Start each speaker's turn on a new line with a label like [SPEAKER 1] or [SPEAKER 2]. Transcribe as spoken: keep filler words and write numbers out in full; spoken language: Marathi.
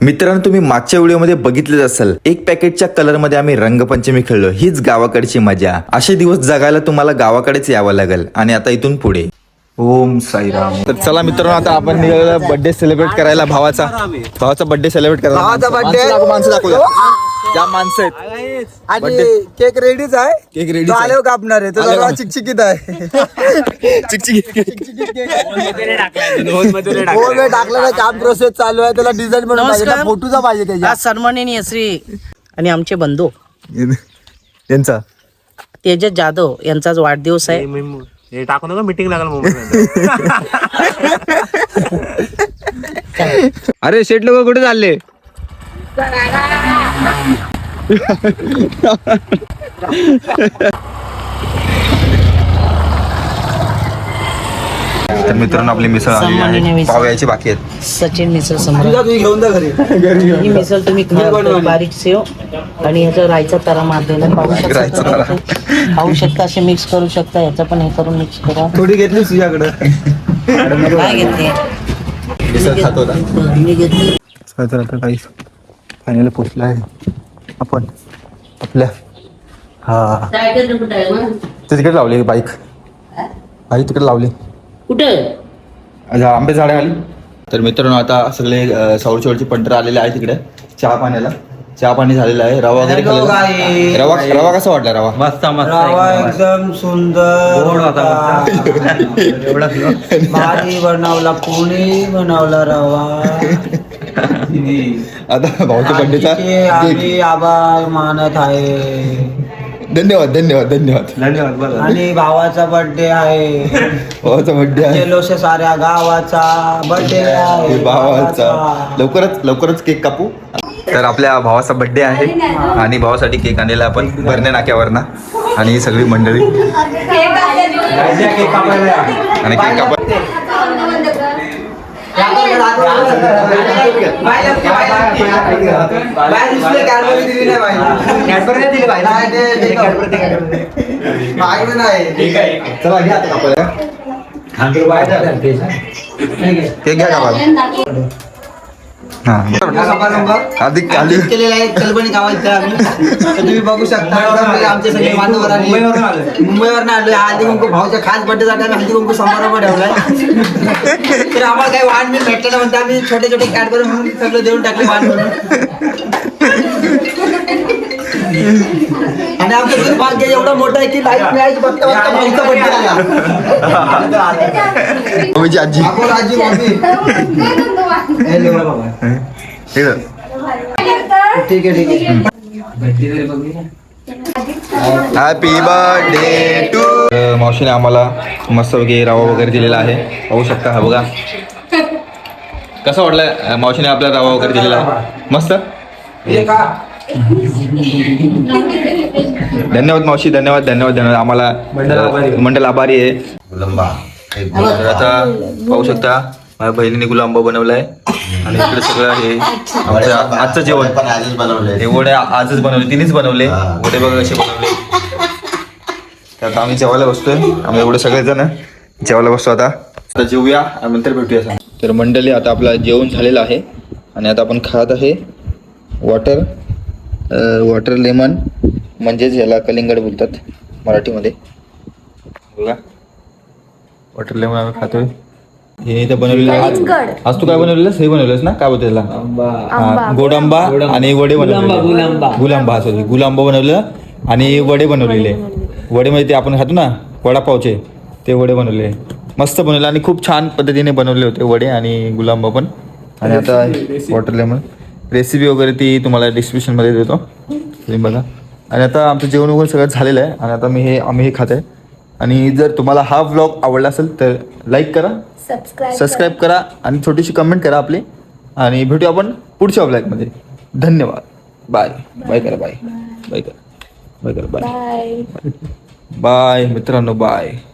[SPEAKER 1] मित्रांनो, तुम्ही मागच्या व्हिडिओमध्ये बघितलेच असेल, एक पॅकेटच्या कलर मध्ये आम्ही रंगपंचमी खेळलो. हीच गावाकडची मजा. असे दिवस जगायला तुम्हाला गावाकडेच यावं लागेल. आणि आता इथून पुढे ओम साईराम. तर चला मित्रांनो, आता आपण निघालो बर्थडे सेलिब्रेट करायला. भावाचा भावाचा बर्थडे सेलिब्रेट करायला.
[SPEAKER 2] भावाचा बर्थडे
[SPEAKER 1] माणसं दाखवूया. ज्या माणसं आहेत
[SPEAKER 2] आणि केक रेडीच आहे.
[SPEAKER 1] केक रेडी
[SPEAKER 2] आल्यावर कापणार आहे. तो जरा चिकचिकीत आहे. टाकलं काम प्रोसेस चालू आहे. त्याला डिझाईन बनवून पाहिजे, फोटोचा पाहिजे त्याच्या.
[SPEAKER 3] आज सन्माननीय श्री आणि आमचे बंधू
[SPEAKER 1] यांचा
[SPEAKER 3] तेजस जाधव यांचाच वाढदिवस आहे.
[SPEAKER 4] हे टाकू नका, मीटिंग लागल मोबाईल.
[SPEAKER 1] अरे शेट लोक कुठे चालले? तर मित्रांनो, आपली मिसळ आलेली आहे. पाव यायची बाकी आहेत.
[SPEAKER 3] सचिन मिसळ सम्राट.
[SPEAKER 2] तुम्ही घेऊन जा घरी.
[SPEAKER 3] ही मिसळ तुम्ही खा. बारीक सेव आणि ह्याचा रायचा तरा मारलेला पाहू शकता. खाऊ शकता, असे मिक्स करू शकता. याचा पण हे करून मिक्स करा.
[SPEAKER 2] थोडी घेतली तुझ्याकडे.
[SPEAKER 3] काय घेतली?
[SPEAKER 1] मिसळ खातो ना.
[SPEAKER 3] मी घेतली.
[SPEAKER 1] तर आता काही फायनल पोचला आहे आपण आपल्या. हा ते तिकडे लावली बाईक. बाईक तिकडे लावली.
[SPEAKER 3] कुठे?
[SPEAKER 1] आंबे झाडे आली. तर मित्रांनो, आता सगळे सावरचीवरची पंढर आलेले आहे तिकडे चहा पाण्याला. चहा पाणी झालेलं आहे. रवा वगैरे खाल्लेला. रवा रवा कसा वाटला? रवा
[SPEAKER 4] मस्त
[SPEAKER 2] रवा एकदम सुंदर होता. भाजी बनवला, पोळी बनवला, रवा.
[SPEAKER 1] आता भाऊच्या बर्थडेचा
[SPEAKER 2] आम्ही आभार मानत आहे.
[SPEAKER 1] धन्यवाद धन्यवाद धन्यवाद
[SPEAKER 4] धन्यवाद.
[SPEAKER 2] आणि भावाचा बर्थडे आहे.
[SPEAKER 1] भावाचा बर्थडे आहे.
[SPEAKER 2] गेलोशे साऱ्या गावाचा बर्थडे आहे.
[SPEAKER 1] भावाचा लवकरच लवकरच केक कापू. तर आपल्या भावाचा बर्थडे आहे आणि भावासाठी केक आणलेला आपण भरणे नाक्यावरना. आणि ही सगळी मंडळी आणि केक कापा. चला घ्या आता कापायला. केक घ्या कापायला. हा अधिक अधिक
[SPEAKER 2] केलेला आहे. कल्पनी गावात तुम्ही बघू शकता. आमचे सगळे बांधवर मुंबईवर आलोय. हळदी कुंकू भाऊच्या खास बर्थडेसाठी आम्ही हळदी कुंकू समारंभ ठेवलाय. तर आम्हाला काही वाण बिल भेटलेलं म्हणते. आम्ही छोटे छोटे कॅडबरी म्हणून सगळं देऊन टाकले वाण म्हणून. आणि आमचं दुर्भाग्य एवढं मोठं आहे की लाईफ मिळायची बघता बघता भाऊचा बर्थडे आला.
[SPEAKER 1] माझी आजी
[SPEAKER 2] आपण आजी मम्मी ठीक आहे ठीक आहे.
[SPEAKER 1] Happy birthday to. मावशीने आम्हाला मस्त वगैरे रवा वगैरे दिलेला आहे. पाहू शकता. हा बघा कसं वाटलं. मावशीने आपला रवा वगैरे दिलेला आहे मस्त. धन्यवाद मावशी. धन्यवाद धन्यवाद धन्यवाद. आम्हाला मंडल आभारी आहे. गुलांबा आता पाहू शकता. माझ्या बहिणीने गुलांबा बनवलाय. आणि इकडे सगळं हे आमचं आजचं जेवण पण आजच बनवलंय. हे वडे आजच बनवले. तिनेच बनवले वडे. बघा कसे बनवले. तर आता आम्ही जेवायला बसतोय. आम्ही एवढे सगळेजण जेवायला बसतो. आता आता जेवूया आणि नंतर भेटूया. सांग. तर मंडळी, आता आपलं जेवण झालेलं आहे आणि आता आपण खात आहे वॉटर वॉटर लेमन, म्हणजेच याला कलिंगड बोलतात मराठीमध्ये. बघा वॉटर लेमन आम्ही खातोय. हे इथं बनवलेलं आज आज तू काय बनवलेलंस? हे बनवलंस ना, काय बोलतो त्याला? गोड आंबा आणि वडे बनवलेले. गुलांबा सॉरी गुलांबा बनवलेलं आणि वडे बनवलेले. वडे म्हणजे ते आपण खातो ना वडापावचे, ते वडे बनवले. मस्त बनवले आणि खूप छान पद्धतीने बनवले होते वडे आणि गुलांबा पण. आणि आता वॉटर लेमन रेसिपी वगैरे ती तुम्हाला डिस्क्रिप्शनमध्ये देतो, तुम्ही बघा. आणि आता आमचं जेवण वगैरे सगळं झालेलं आहे आणि आता मी हे आम्ही हे खात आहे. आणि जर तुम्हाला हा व्लॉग आवडला असेल तर लाईक करा, सबस्क्राईब करा आणि छोटीशी कमेंट करा आपली. आणि भेटू आपण पुढच्या व्लॉगमध्ये. धन्यवाद. बाय बाय करा. बाय बाय करा. बाय करा. बाय बाय मित्रांनो. बाय.